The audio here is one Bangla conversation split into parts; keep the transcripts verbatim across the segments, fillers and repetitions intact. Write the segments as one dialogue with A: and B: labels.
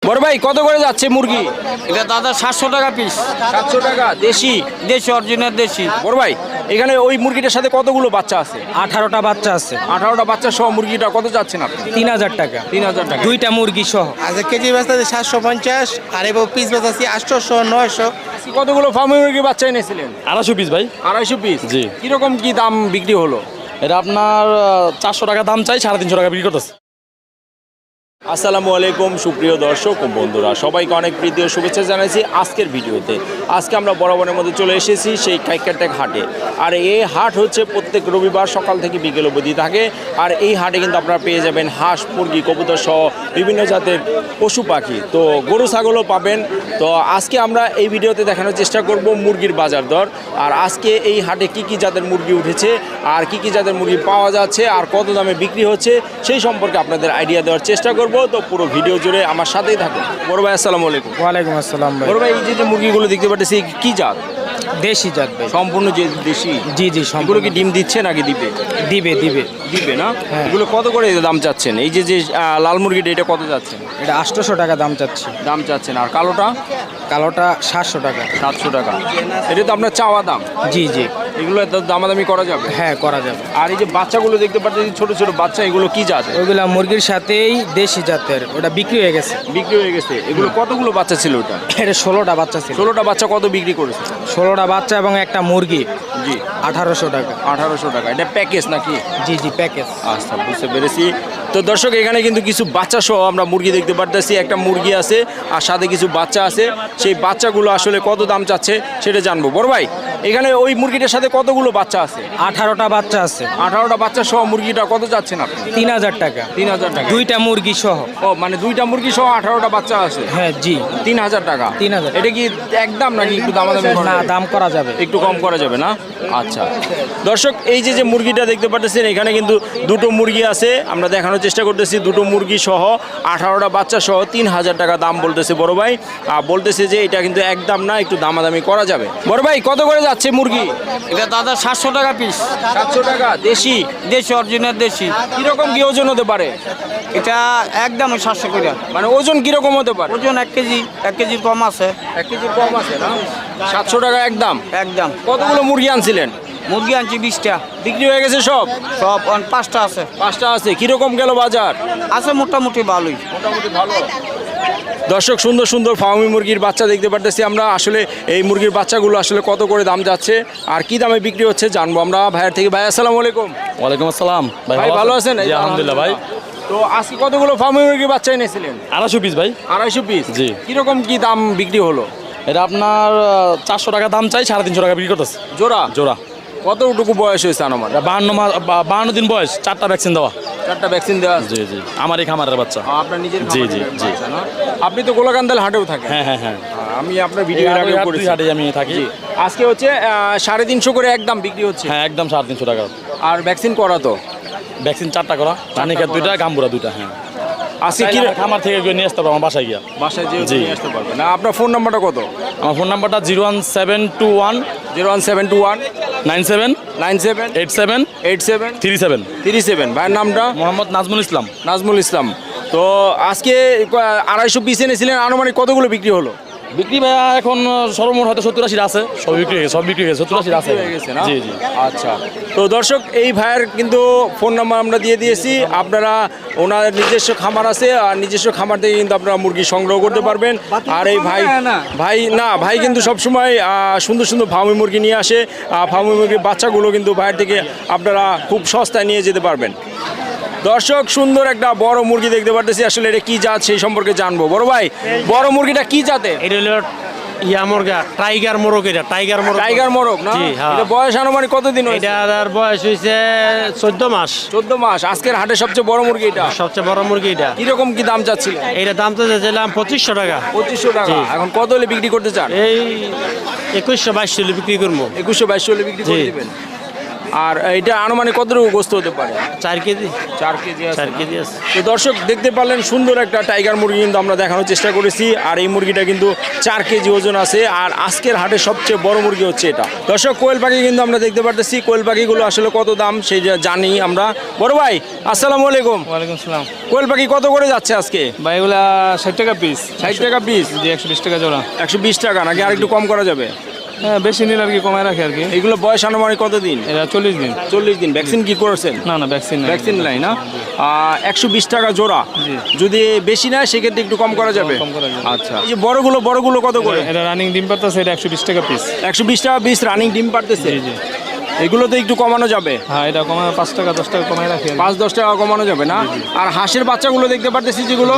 A: বড় ভাই কত করে যাচ্ছে মুরগি?
B: এটা দাদা সাতশো টাকা পিস।
A: সাতশো টাকা দেশি?
B: দেশি, অরিজিনাল দেশি।
A: বড় ভাই এখানে ওই মুরগিটার সাথে কতগুলো বাচ্চা আছে?
C: আঠারোটা বাচ্চা আছে।
A: আঠারোটা বাচ্চা সহ মুরগিটা কত যাচ্ছেন আপনি?
C: তিন হাজার টাকা।
A: তিন হাজার টাকা
C: দুইটা মুরগি সহ।
D: আচ্ছা, কেজি বেচতে সাতশো পঞ্চাশ আর এবার পিস বেচাচ্ছি আটশোশো নয়শো।
A: কতগুলো ফার্মি মুরগির বাচ্চা এনেছিলেন?
E: আড়াইশো পিস ভাই।
A: আড়াইশো পিস?
E: জি।
A: কিরকম কি দাম বিক্রি হলো?
E: এটা আপনার চারশো টাকা দাম চাই, সাড়ে তিনশো টাকা বিক্রি করতেছে।
A: আসসালামু আলাইকুম সুপ্রিয় দর্শক ও বন্ধুরা, সবাইকে অনেক প্রীতি ও শুভেচ্ছা জানাইছি আজকের ভিডিওতে। আজকে আমরা বরাবরের মধ্যে চলে এসেছি সেই কাইকারটেক হাটে। আর এই হাট হচ্ছে প্রত্যেক রবিবার সকাল থেকে বিকেল অবধি থাকে। আর এই হাটে কিন্তু আপনারা পেয়ে যাবেন হাঁস, মুরগি, কবুতর সহ বিভিন্ন জাতের পশু পাখি, তো গরু ছাগলও পাবেন। তো আজকে আমরা এই ভিডিওতে দেখানোর চেষ্টা করব মুরগির বাজার দর, আর আজকে এই হাটে কি কি জাতের মুরগি উঠেছে, আর কি কি জাতের মুরগি পাওয়া যাচ্ছে, আর কত দামে বিক্রি হচ্ছে সেই সম্পর্কে আপনাদের আইডিয়া দেওয়ার চেষ্টা করব। তো পুরো ভিডিও জুড়ে আমার সাথেই থাকুন। বড় ভাই আসসালামু আলাইকুম।
C: ওয়ালাইকুম আসসালাম ভাই।
A: বড় ভাই এই যে যে মুরগিগুলো দেখতে পাচ্ছি কি জাত?
C: দেশি জাত ভাই।
A: সম্পূর্ণ যে দেশি?
C: জি জি
A: এগুলো
C: সম্পূর্ণ।
A: কি ডিম দিচ্ছে নাকি দিবে?
C: দিবে দিবে
A: দিবে না?
C: হ্যাঁ।
A: এগুলো কত করে দাম চাচ্ছেন? এই যে যে আহ, লাল মুরগিটা এটা কত যাচ্ছেন?
C: এটা আটশোশো টাকা দাম চাচ্ছি।
A: দাম চাচ্ছেন। আর কালোটা?
C: কালোটা সাতশো টাকা।
A: সাতশো টাকা। এটা তো আপনার চাওয়া দাম?
C: জি জি
A: এগুলো তো দামাদামি করা যাবে?
C: হ্যাঁ করা যাবে।
A: আর এই যে বাচ্চাগুলো দেখতে পাচ্ছি ছোট ছোট বাচ্চা, এগুলো কি জাত?
C: ওইগুলা মুরগির সাথেই দেশি জাতের, ওটা বিক্রি হয়ে গেছে।
A: বিক্রি হয়ে গেছে? এগুলো কতগুলো বাচ্চা ছিল ওটা?
C: এটা ষোলোটা বাচ্চা ছিল।
A: ষোলোটা বাচ্চা কত বিক্রি করেছে?
C: ষোলোটা বাচ্চা এবং একটা মুরগি
A: জি।
C: আঠারোশো টাকা।
A: আঠারোশো টাকা। এটা প্যাকেজ নাকি?
C: জি জি প্যাকেজ।
A: আচ্ছা, বুঝতে পেরেছি। তো দর্শক এখানে কিন্তু কিছু বাচ্চা সহ আমরা মুরগি দেখতে পারতেছি। একটা মুরগি আছে আর সাথে কিছু বাচ্চা আছে। সেই বাচ্চাগুলো আসলে কত দাম চাচ্ছে সেটা জানবো। বড় ভাই এখানে ওই মুরগিটার সাথে কতগুলো বাচ্চা আছে?
C: আঠারোটা বাচ্চা আছে।
A: আঠারোটা বাচ্চা সহ মুরগিটা কত যাচ্ছেন আপনি?
C: তিন হাজার টাকা।
A: তিন হাজার টাকা।
C: দুইটা মুরগি সহ।
A: ও মানে দুইটা মুরগি সহ আঠারোটা বাচ্চা আছে?
C: হ্যাঁ জি।
A: তিন হাজার টাকা।
C: তিন হাজার।
A: এটা কি একদম নাকি একটু দামাদামি করা
C: না,
A: যাবে?
C: দাম করা যাবে।
A: একটু কম করা যাবে না? আচ্ছা দর্শক এই যে যে মুরগিটা দেখতে পাচ্ছেন এখানে কিন্তু দুটো মুরগি আছে। আমরা দেখানোর চেষ্টা করতেছি দুটো মুরগি সহ আঠারোটা বাচ্চা সহ তিন হাজার টাকা দাম বলতেছে বড় ভাই। আর বলতেছে যে এটা কিন্তু একদম না, একটু দামাদামি করা যাবে। বড় ভাই কত করে যাচ্ছে মুরগি?
B: এটা দাদা সাতশো টাকা পিস।
A: সাতশো টাকা দেশি?
B: দেশি, অরিজিনাল দেশি।
A: কিরকম কি ওজন হতে পারে?
B: এটা একদম সাতশো করে।
A: মানে ওজন কিরকম হতে পারে?
B: ওজন এক কেজি, এক কেজির কম আছে।
A: এক কেজির কম আছে না? সাতশো টাকা একদম।
B: একদম।
A: কতগুলো মুরগি আনছিলেন?
B: মুরগি আনছি বিশটা।
A: বিক্রি হয়ে গেছে সব?
B: সব অন- পাঁচটা আছে।
A: পাঁচটা আছে। কিরকম গেল বাজার?
B: আছে মোটামুটি ভালোই।
A: মোটামুটি ভালো। দর্শক সুন্দর সুন্দর ফার্মি মুরগির বাচ্চা দেখতে পারতেছি আমরা। আসলে এই মুরগির বাচ্চাগুলো আসলে কত করে দাম যাচ্ছে আর কি দামে বিক্রি হচ্ছে জানবো আমরা ভাইয়ের থেকে। ভাই আসসালামু আলাইকুম।
E: ওয়ালাইকুম আসসালাম
A: ভাই ভালো আছেন?
E: জি আলহামদুলিল্লাহ ভাই।
A: তো আজকে কতগুলো ফার্মি মুরগির বাচ্চা এনেছিলেন?
E: আড়াইশো পিস ভাই।
A: আড়াইশো পিস?
E: জি।
A: কিরকম কি দাম বিক্রি হলো?
E: এটা আপনার চারশো টাকা দাম চাই, সাড়ে তিনশো টাকা বিক্রি করতেছে।
A: জোড়া?
E: জোড়া।
A: কতটুকু বয়স হয়েছে আমার?
E: এটা বাহান্ন মাস বা- বাহান্ন দিন বয়স, চারটা ভ্যাকসিন দেওয়া।
A: চারটা ভ্যাকসিন দেওয়া আছে?
E: জি জি আমার এই খামারের বাচ্চা।
A: আ, আপনার নিজের
E: জি,
A: খামারের
E: জি, জি।
A: বাচ্চা না? আপনি তো গোলাকান্দাল হাটেও থাকেন?
E: হ্যাঁ হ্যাঁ হ্যাঁ।
A: আমি আপনার ভিডিও
E: এই
A: এর আগেও
E: হাটে-
A: করেছি।
E: দুই হাটে আমি থাকি।
A: জি। আজকে হচ্ছে আহ, সাড়ে তিনশো করে একদম বিক্রি হচ্ছে।
E: হ্যাঁ একদম সাড়ে তিনশো টাকা।
A: আর ভ্যাকসিন করা তো?
E: ভ্যাকসিন চারটা করা, রানিকের দুইটা, গাম্বুরা দুইটা। হ্যাঁ
A: আজকে কি
E: চাইলে আমার খামার থেকে গিয়ে নিয়ে আসতে পারবো আমার বাসায় গিয়া।
A: বাসায় যে
E: জি।
A: নিয়ে আসতে পারবেন না? আপনার ফোন নাম্বারটা কত?
E: আমার ফোন নাম্বারটা zero one seven two one
A: zero one seven two one
E: nine seven
A: nine seven
E: eight seven
A: eight seven
E: three seven.
A: Three seven. ভাইয়ের নামটা?
E: মোহাম্মদ নাজমুল ইসলাম।
A: নাজমুল ইসলাম। তো আজকে ক- আড়াইশো পিস এনেছিলেন, আনুমানিক কতগুলো বিক্রি হলো?
E: বিক্রি ভাইয়া এখন সর্বমোট হয়তো সত্তর আশির আছে। সব বিক্রি হয়ে গেছে, সব বিক্রি হয়ে গেছে, সত্তর আশির আছে।
A: হয়ে গেছে না?
E: জি জি।
A: আচ্ছা তো দর্শক এই ভাইয়ের কিন্তু ফোন নাম্বার আমরা দিয়ে দিয়েছি। আপনারা ওনার নিজস্ব খামার আছে আর নিজস্ব খামার থেকে কিন্তু আপনারা মুরগি সংগ্রহ করতে পারবেন। আর এই ভাই ভাই না ভাই কিন্তু সবসময় আহ, সুন্দর সুন্দর ফার্মি মুরগি নিয়ে আসে। ফার্মি মুরগির বাচ্চাগুলো কিন্তু ভাইয়ের থেকে আপনারা খুব সস্তায় নিয়ে যেতে পারবেন। দর্শক সুন্দর একটা বড় মুরগি দেখতে পারতেছি। আসলে এটা কি জাত সেই সম্পর্কে জানবো। বড় ভাই বড় মুরগিটা কি জাতে?
F: এটা হলো ইয়া মুরগা, টাইগার মোরগ। এটা টাইগার মোরগ।
A: টাইগার মোরগ না?
F: জি, হ্যাঁ।
A: এটা বয়স আনুমানিক কতদিন হয়েছে?
F: এটার বয়স হয়েছে চোদ্দ মাস।
A: চোদ্দ মাস। আজকের হাটে সবচেয়ে বড় মুরগি এটা?
F: সবচেয়ে বড় মুরগি এটা।
A: কিরকম কি দাম চাচ্ছিলেন?
F: এইটা দাম তো চাইছিলাম পঁচিশশো টাকা।
A: পঁচিশশো টাকা।
F: জি।
A: এখন কত হলে বিক্রি করতে চান?
F: এই একুশশো বাইশশো বিক্রি করবো।
A: একুশশো বাইশশো হলে বিক্রি করে
F: জি।
A: দিবেন। আর এটা আনুমানিক কতটুকু গোস্ত হতে পারে?
F: চার কেজি
A: চার কেজি আছে
F: চার
A: না?
F: কেজি আছে।
A: তো দর্শক দেখতে পারলেন সুন্দর একটা টাইগার মুরগি কিন্তু আমরা দেখানোর চেষ্টা করেছি, আর এই মুরগিটা কিন্তু চার কেজি ওজন আছে। আর আজকের হাটে সবচেয়ে বড় মুরগি হচ্ছে এটা। দর্শক কোয়েল পাখি কিন্তু আমরা দেখতে পারতেছি, কোয়েল পাখিগুলো আসলে কত দাম সেই জানি আমরা। বড় ভাই আসসালামু আলাইকুম।
C: ওয়ালাইকুম সালাম।
A: কোয়েল পাখি কত করে যাচ্ছে আজকে?
C: ভাই এগুলা ষাট টাকা পিস।
A: ষাট টাকা পিস?
C: জি, একশো বিশ টাকা জোড়া।
A: একশো বিশ টাকা নাকি আর একটু কম করা যাবে?
C: হ্যাঁ, বেশি নিলে আর কি কমায় রাখে আর কি।
A: এগুলো বয়স আনুমানিক কতদিন?
C: এটা চল্লিশ দিন।
A: চল্লিশ দিন। ভ্যাকসিন কি করেছেন?
C: না না, ভ্যাকসিন নাই।
A: ভ্যাকসিন নাই না? একশো বিশ টাকা জোড়া।
C: জি।
A: যদি বেশি না সেক্ষেত্রে একটু কম করা যাবে?
C: কম করা যাবে।
A: আচ্ছা, এই যে বড়গুলো বড়গুলো কত করে?
C: এটা রানিং ডিম পারতেছে, এটা একশো বিশ টাকা পিস।
A: একশো বিশ টাকা পিস রানিং ডিম পারতেছে?
C: জি জি।
A: এগুলো তো একটু কমানো যাবে?
C: হ্যাঁ, এটা কমায় পাঁচ টাকা দশ টাকা কমায় রাখি আর কি।
A: পাঁচ দশ টাকা কমানো যাবে না? আর হাঁসের বাচ্চাগুলো দেখতে পারতেছি যেগুলো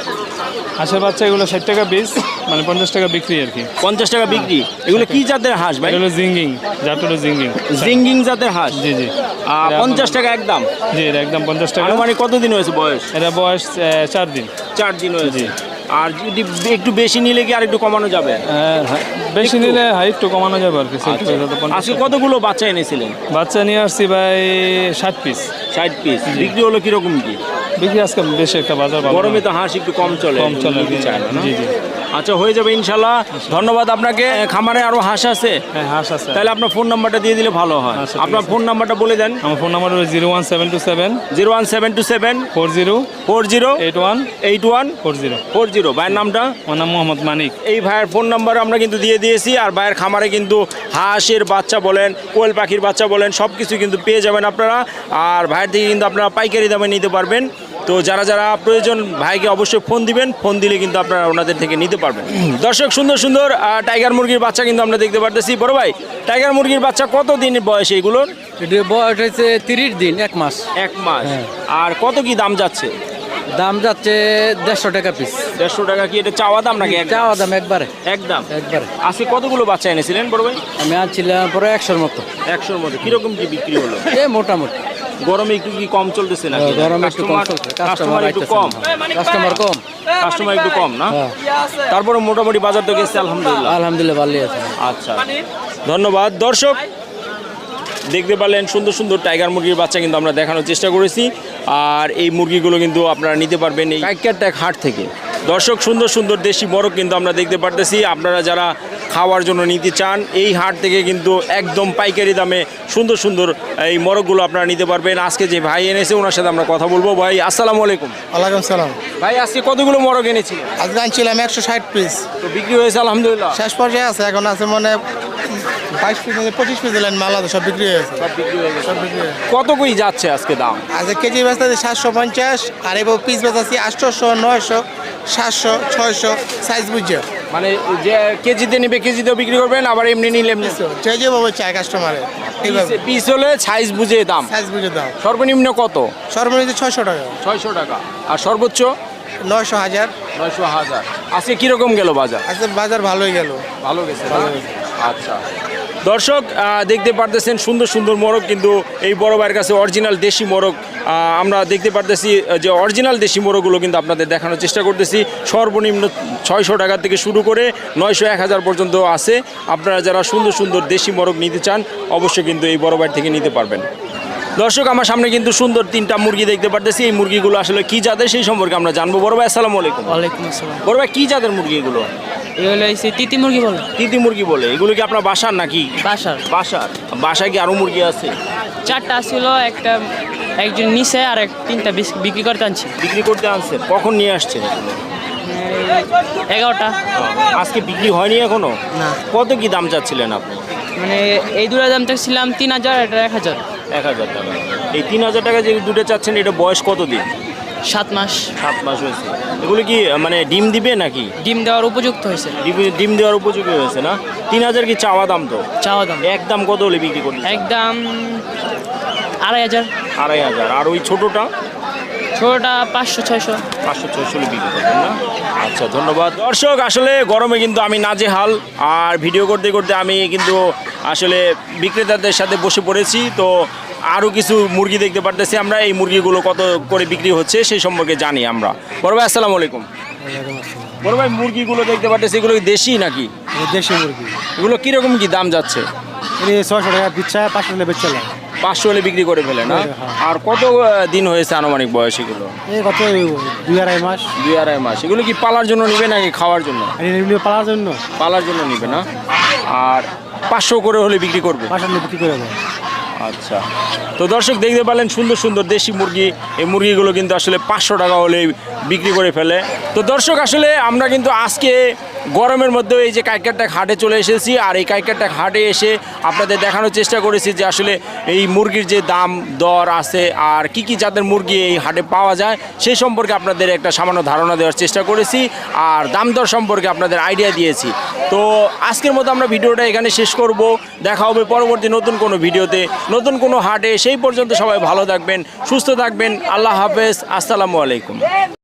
C: হাঁসের বাচ্চা এগুলো ষাট টাকা পিস, মানে পঞ্চাশ টাকা বিক্রি আর কি।
A: পঞ্চাশ টাকা বিক্রি। এগুলো কি জাতের হাঁস ভাই?
C: এটা হলো জিঙ্গিং, জাত হলো জিঙ্গিং।
A: জিঙ্গিং জাতের হাঁস?
C: জি জি।
A: আহ, পঞ্চাশ টাকা একদম?
C: জি, এটা একদম পঞ্চাশ টাকা।
A: আনুমানিক কতদিন হয়েছে বয়স?
C: এটা বয়স আহ, চার দিন।
A: চার দিন হয়েছে। আর যদি একটু বেশি নিলে কি আর একটু কমানো যাবে?
C: হ্যাঁ, হ্যাঁ, বেশি
A: একটু?
C: নিলে হ্যাঁ একটু কমানো যাবে আর কি। ষাট টাকা তো পঞ্চাশ
A: আজকে
C: টাকা।
A: কতগুলো বাচ্চা এনেছিলেন?
C: বাচ্চা নিয়ে আসছি ভাই ষাট পিস।
A: ষাট পিস। বিক্রি হলো কিরকম কি?
C: বিক্রি আজকে বেশি একটা বাজার ভালো না।
A: গরমে তো হাঁস একটু কম চলে,
C: কম চলে আর কি।
A: নিতে চায় না, না?
C: জি জি।
A: আচ্ছা, হয়ে যাবে ইনশাল্লাহ। ধন্যবাদ আপনাকে। খামারে আরো হাঁস আছে?
C: হ্যাঁ, হাঁস আছে।
A: তাহলে আপনার ফোন নাম্বারটা দিয়ে দিলে ভালো হয়।
C: আচ্ছা, ঠিক
A: আপনার
C: আছে।
A: ফোন নাম্বারটা বলে দেন।
C: আমার ফোন নাম্বার হলো zero one seven two seven
A: zero one seven two seven
C: four zero
A: four zero
C: eight one
A: eight one
C: four zero.
A: Four zero. ভাইয়ের নামটা?
C: আমার নাম মোহাম্মদ মানিক।
A: এই ভাইয়ের ফোন নাম্বার আমরা কিন্তু দিয়ে দিয়েছি। আর ভাইয়ের খামারে কিন্তু হাঁসের বাচ্চা বলেন, কোয়েল পাখির বাচ্চা বলেন, সব কিছু কিন্তু পেয়ে যাবেন আপনারা। আর ভাইয়ের থেকে কিন্তু আপনারা পাইকারি দামে নিতে পারবেন। তো যারা যারা প্রয়োজন ভাইকে অবশ্যই ফোন দিবেন, ফোন দিলে কিন্তু আপনারা ওনাদের থেকে নিতে পারবেন। দর্শক সুন্দর সুন্দর আহ, টাইগার মুরগির বাচ্চা কিন্তু আমরা দেখতে পারতেছি। বড় ভাই, টাইগার মুরগির বাচ্চা কত দিনের বয়স এগুলোর?
G: এটা বয়স হয়েছে তিরিশ দিন, এক মাস।
A: এক মাস।
G: হ্যাঁ।
A: আর কত কি দাম যাচ্ছে?
G: দাম যাচ্ছে দেড়শো টাকা পিস।
A: দেড়শো টাকা কি এটা চাওয়া দাম নাকি একদম?
G: চাওয়া দাম একবারে
A: একদম।
G: একবারে।
A: আজকে কতগুলো বাচ্চা এনেছিলেন বড় ভাই?
G: আমি আনছিলাম পরে একশোর মতো।
A: একশোর মতো। কিরকম কি বিক্রি হলো?
G: এ মোটামুটি
A: গরমে একটু কি কম চলতেছে নাকি?
G: গরমে একটু কম
A: কাস্টমার
G: চলছে।
A: কাস্টমার একটু
G: আইতেছে
A: কম?
G: না। কাস্টমার কম।
A: কাস্টমার একটু কম না?
G: হ্যাঁ।
A: তারপরে মোটামুটি বাজার তো গেছে আলহামদুলিল্লাহ।
G: আলহামদুলিল্লাহ ভালোই আছে।
A: আচ্ছা, ধন্যবাদ। দর্শক দেখতে পারলেন সুন্দর সুন্দর টাইগার মুরগির বাচ্চা কিন্তু আমরা দেখানোর চেষ্টা করেছি। আর এই মুরগিগুলো কিন্তু আপনারা নিতে পারবেন এই কাইকারটেক হাট থেকে। দর্শক সুন্দর সুন্দর দেশি মোরগ কিন্তু আমরা দেখতে পারতেছি। আপনারা যারা খাওয়ার জন্য নিতে চান এই হাট থেকে কিন্তু একদম পাইকারি দামে সুন্দর সুন্দর এই মোরগগুলো আপনারা নিতে পারবেন। আজকে যে ভাই এনেছে ওনার সাথে আমরা কথা বলবো। ভাই আসসালামু আলাইকুম।
D: ওয়ালাইকুম সালাম।
A: ভাই আজকে কতগুলো মোরগ এনেছিলেন?
D: আজকে আনছিলাম একশো ষাট পিস।
A: তো বিক্রি হয়েছে আলহামদুলিল্লাহ?
D: শেষ পর্যায়ে আছে, এখন আছে মানে বাইশ পিস পঁচিশ পিস দিলেন মাল আছে, সব বিক্রি হয়েছে।
A: সব বিক্রি হয়ে গেছে।
D: সব বিক্রি হয়েছে।
A: কত কই যাচ্ছে আজকে দাম?
D: আজকে কেজি বেচতে আছে সাতশো পঞ্চাশ, আর এবার পিস বেচাচ্ছি আটশোশো, নয়শো, সাতশো, ছয়শো, সাইজ বুঝছে।
A: মানে যে কেজিতে নেবে কেজিতেও বিক্রি করবেন, আবার এমনি নিলে এমনি?
D: যে যেভাবে চায় কাস্টমারে এইভাবে
A: পিস হলে সাইজ বুঝে দাম।
D: সাইজ বুঝে দাও।
A: সর্বনিম্ন কত?
D: সর্বনিম্ন ছয়শো টাকা,
A: ছয়শো টাকা। আর সর্বোচ্চ?
D: নয়শো, হাজার।
A: নয়শো হাজার। আজকে কিরকম গেল বাজার?
D: আজকে বাজার ভালোই গেল।
A: ভালো গেছে, ভালো গেছে। আচ্ছা দর্শক আহ, দেখতে পারতেছেন সুন্দর সুন্দর মোরগ কিন্তু এই বড় ভাইয়ের কাছে অরিজিনাল দেশি মোরগ আহ, আমরা দেখতে পারতেছি যে অরিজিনাল দেশি মোরগগুলো কিন্তু আপনাদের দেখানোর চেষ্টা করতেছি। সর্বনিম্ন ছয়শো টাকা থেকে শুরু করে নয়শো এক হাজার পর্যন্ত আছে। আপনারা যারা সুন্দর সুন্দর দেশি মোরগ নিতে চান অবশ্যই কিন্তু এই বড় ভাই থেকে নিতে পারবেন। দর্শক আমার সামনে কিন্তু সুন্দর তিনটা মুরগি দেখতে পারতেছি। এই মুরগিগুলো আসলে কি জাতের সেই সম্পর্কে আমরা জানবো। বড় ভাই আসসালামু আলাইকুম।
H: ওয়ালাইকুম আসসালাম।
A: বড় ভাই কি জাতের মুরগি এগুলো?
H: এগুলো হচ্ছে তিতি মুরগি বলে।
A: তিতি মুরগি বলে? এগুলো কি আপনার বাসার নাকি?
H: বাসার।
A: বাসার? বাসায় কি আরো মুরগি আছে?
H: চারটা ছিল, একটা একজন নিচে আর এক তিনটা বিস- বিক্রি করতে আনছি।
A: বিক্রি করতে আনছেন? কখন নিয়ে আসছেন এগুলো?
H: এগারোটা।
A: আজকে বিক্রি হয়নি এখনো?
H: না।
A: কত কি দাম চাচ্ছিলেন আপনি?
H: মানে এই দুটো দাম চাচ্ছিলাম তিন হাজার, এটা এক হাজার।
A: এক হাজার টাকা। এই তিন হাজার টাকা যে দুটো চাচ্ছেন এটা বয়স কত দিন?
H: সাত মাস।
A: সাত মাস হয়েছে। এগুলো কি মানে ডিম দিবে নাকি?
H: ডিম দেওয়ার উপযুক্ত হয়েছে।
A: ডিম- ডিম দেওয়ার উপযোগী হয়েছে না? তিন হাজার কি চাওয়া দাম? তো
H: চাওয়া দাম
A: একদম কত হলে বিক্রি করবেন?
H: একদম আড়াই হাজার।
A: আড়াই হাজার। আর ওই ছোটোটা?
H: ছোটোটা পাঁচশো ছয়শো।
A: পাঁচশো ছয়শো বিক্রি করবেন না? আচ্ছা ধন্যবাদ। দর্শক আসলে গরমে কিন্তু আমি নাজেহাল, আর ভিডিও করতে করতে আমি কিন্তু আসলে বিক্রেতাদের সাথে বসে পড়েছি। তো আরও কিছু মুরগি দেখতে পারতেছি আমরা। এই মুরগিগুলো কত করে বিক্রি হচ্ছে সেই সম্পর্কে জানি আমরা। বড় ভাই আসসালামু আলাইকুম। বড় ভাই মুরগিগুলো দেখতে পারতেছি, এগুলো কি দেশি নাকি?
G: দেশি মুরগি
A: এগুলো কীরকম কি দাম যাচ্ছে?
G: ছয়শো টাকা পিচ্ছা, পাঁচশো টাকা বেচছিলাম।
A: পাঁচশো হলে বিক্রি করে ফেলে না? আর কত আহ, দিন হয়েছে আনুমানিক বয়স এগুলো?
G: এই কত দুই আড়াই মাস
A: দুই আড়াই মাস। এগুলো কি পালার জন্য নিবে নাকি খাওয়ার জন্য?
G: পালার জন্য
A: পালার জন্য নিবে না? আর পাঁচশো করে হলে বিক্রি করবে?
G: পাঁচশো বিক্রি করে দেয়।
A: আচ্ছা, তো দর্শক দেখতে পেলেন সুন্দর সুন্দর দেশি মুরগি। এই মুরগিগুলো কিন্তু আসলে পাঁচশো টাকা হলে বিক্রি করে ফেলে। তো দর্শক আসলে আমরা কিন্তু আজকে গরমের মধ্যেও এই যে কাইকারটাক হাটে চলে এসেছি, আর এই কাইকারটাক হাটে এসে আপনাদের দেখানোর চেষ্টা করেছি যে আসলে এই মুরগির যে দাম দর আছে আর কি কি জাতের মুরগি এই হাটে পাওয়া যায় সেই সম্পর্কে আপনাদের একটা সামান্য ধারণা দেওয়ার চেষ্টা করেছি, আর দাম দর সম্পর্কে আপনাদের আইডিয়া দিয়েছি। তো আজকের মতো আমরা ভিডিওটা এখানে শেষ করব। দেখা হবে পরবর্তী নতুন কোনো ভিডিওতে, নতুন কোনো হাটে। সেই পর্যন্ত সবাই ভালো থাকবেন, সুস্থ থাকবেন। আল্লাহ হাফেজ, আসসালামু আলাইকুম।